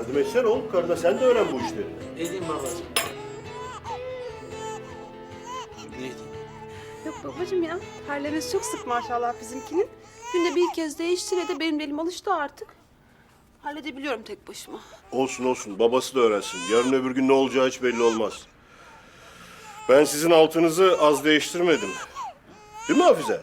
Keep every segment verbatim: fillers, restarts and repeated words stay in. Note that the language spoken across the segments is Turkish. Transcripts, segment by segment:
Yardım etsene oğlum karına, sen de öğren bu işleri. Edeyim babacığım. Neydi? Yok babacığım ya. Terlemesi çok sık maşallah bizimkinin. Günde bir kez değiştire de benim elim alıştı artık. Halledebiliyorum tek başıma. Olsun olsun, babası da öğrensin. Yarın öbür gün ne olacağı hiç belli olmaz. Ben sizin altınızı az değiştirmedim. Değil mi Hafize?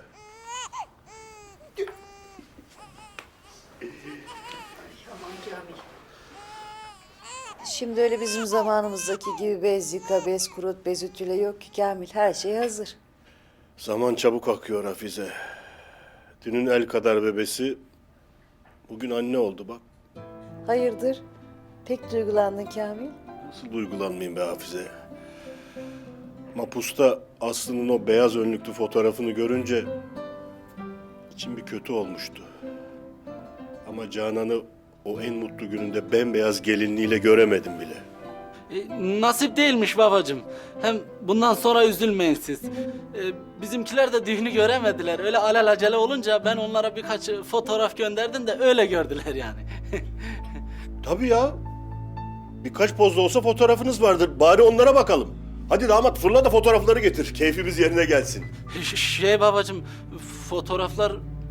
Şimdi öyle bizim zamanımızdaki gibi bez yıka, bez kurut, bez ütüle yok ki Kamil. Her şey hazır. Zaman çabuk akıyor Hafize. Dünün el kadar bebesi bugün anne oldu bak. Hayırdır? Pek duygulandın Kamil. Nasıl duygulanmayayım be Hafize? Mapusta Aslı'nın o beyaz önlüklü fotoğrafını görünce içim bir kötü olmuştu. Ama Canan'ı o en mutlu gününde bembeyaz gelinliğiyle göremedim bile. E, nasip değilmiş babacığım. Hem bundan sonra üzülmeyin siz. E, bizimkiler de düğünü göremediler. Öyle alelacele olunca ben onlara birkaç fotoğraf gönderdim de öyle gördüler yani. Tabii ya. Birkaç pozda olsa fotoğrafınız vardır. Bari onlara bakalım. Hadi damat fırla da fotoğrafları getir. Keyfimiz yerine gelsin. Ş- şey babacığım, fotoğraflar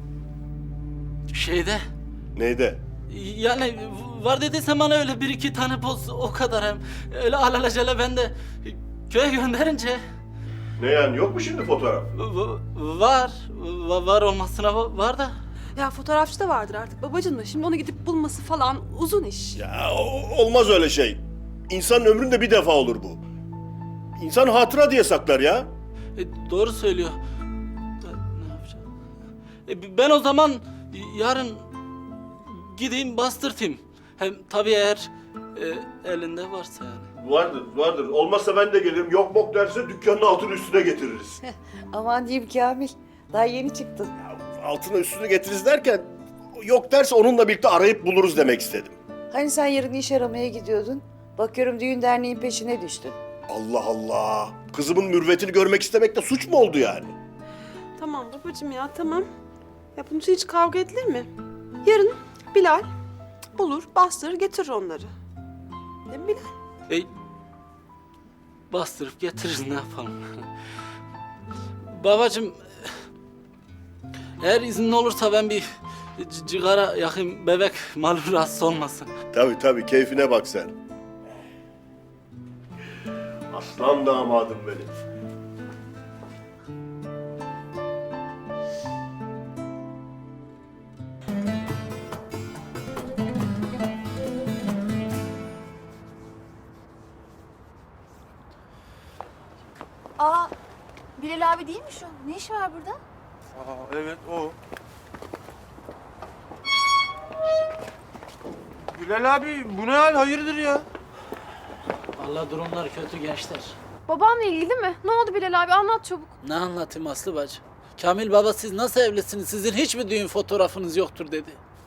şeyde. Neyde? Yani var dediyse bana öyle bir iki tane poz, o kadar hem. Öyle alelacele ben de köye gönderince Ne yani, yok mu şimdi fotoğraf? v- var. Va- var olmasına va- var da. Ya fotoğrafçı da vardır artık babacığım da. Şimdi onu gidip bulması falan uzun iş. Ya o- olmaz öyle şey. İnsanın ömründe bir defa olur bu. İnsan hatıra diye saklar ya. E, doğru söylüyor. Ben ne yapacağım? E, ben o zaman yarın gideyim bastırtayım. Hem tabii eğer e, elinde varsa yani. Vardır, vardır. Olmazsa ben de gelirim. Yok mok derse dükkanın altını üstüne getiririz. Aman diyeyim Kamil. Daha yeni çıktın. Altını üstüne getiririz derken yok derse onunla birlikte arayıp buluruz demek istedim. Hani sen yarın iş aramaya gidiyordun? Bakıyorum düğün derneğin peşine düştün. Allah Allah. Kızımın mürüvvetini görmek istemek de suç mu oldu yani? Tamam babacığım ya tamam. Ya bunun için hiç kavga edilir mi? Yarın Bilal bulur, bastırır, getirir onları. Değil mi Bilal? E, bastırıp getiririz ne yapalım. Babacığım, eğer iznin olursa ben bir c- cigara yakayım, bebek malum rahatsız olmasın. Tabii tabii, keyfine bak sen. Aslan damadım benim. Aa, Bilal abi değil mi şu? Ne işi var burada? Aa, evet o. Bilal abi bu ne hal, hayırdır ya? Vallahi durumlar kötü gençler. Babamla ilgili değil mi? Ne oldu Bilal abi? Anlat çabuk. Ne anlatayım Aslı bacı? Kamil baba siz nasıl evlisiniz? Sizin hiç mi düğün fotoğrafınız yoktur dedi.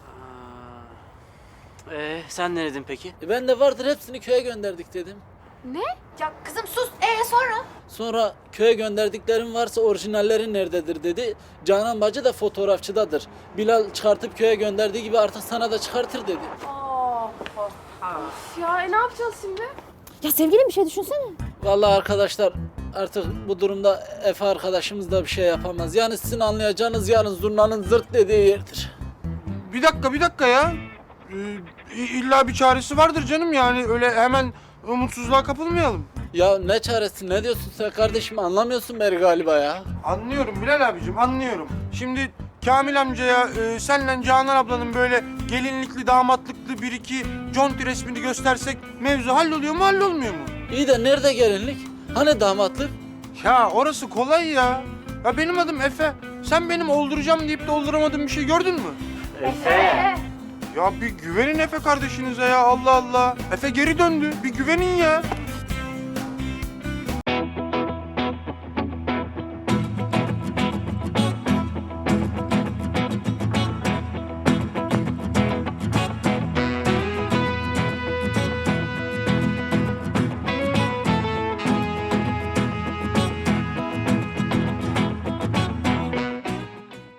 Ee, sen ne dedin peki? E ben de vardır hepsini köye gönderdik dedim. Ne? Ya kızım sus. Ee sonra? Sonra köye gönderdiklerim varsa orijinallerin nerededir dedi. Canan bacı da fotoğrafçıdadır. Bilal çıkartıp köye gönderdiği gibi artık sana da çıkartır dedi. Aa, of ya e, ne yapacağız şimdi? Ya sevgilim bir şey düşünsene. Vallahi arkadaşlar artık bu durumda Efe arkadaşımız da bir şey yapamaz. Yani sizin anlayacağınız yarın zurnanın zırt dediği yerdir. Bir dakika bir dakika ya. Ee, illa bir çaresi vardır canım, yani öyle hemen umutsuzluğa kapılmayalım. Ya ne çaresi ne diyorsun sen kardeşim, anlamıyorsun beni galiba ya. Anlıyorum Bilal abicim, anlıyorum. Şimdi Kamil amcaya e, senle Canan ablanın böyle gelinlikli damatlıklı bir iki conti resmini göstersek mevzu halloluyor mu hallolmuyor mu? İyi de nerede gelinlik? Hani damatlık? Ya orası kolay ya. Ya benim adım Efe. Sen benim olduracağım deyip de olduramadığım bir şey gördün mü? Efe. Ya bir güvenin Efe kardeşinize ya, Allah Allah. Efe geri döndü. Bir güvenin ya.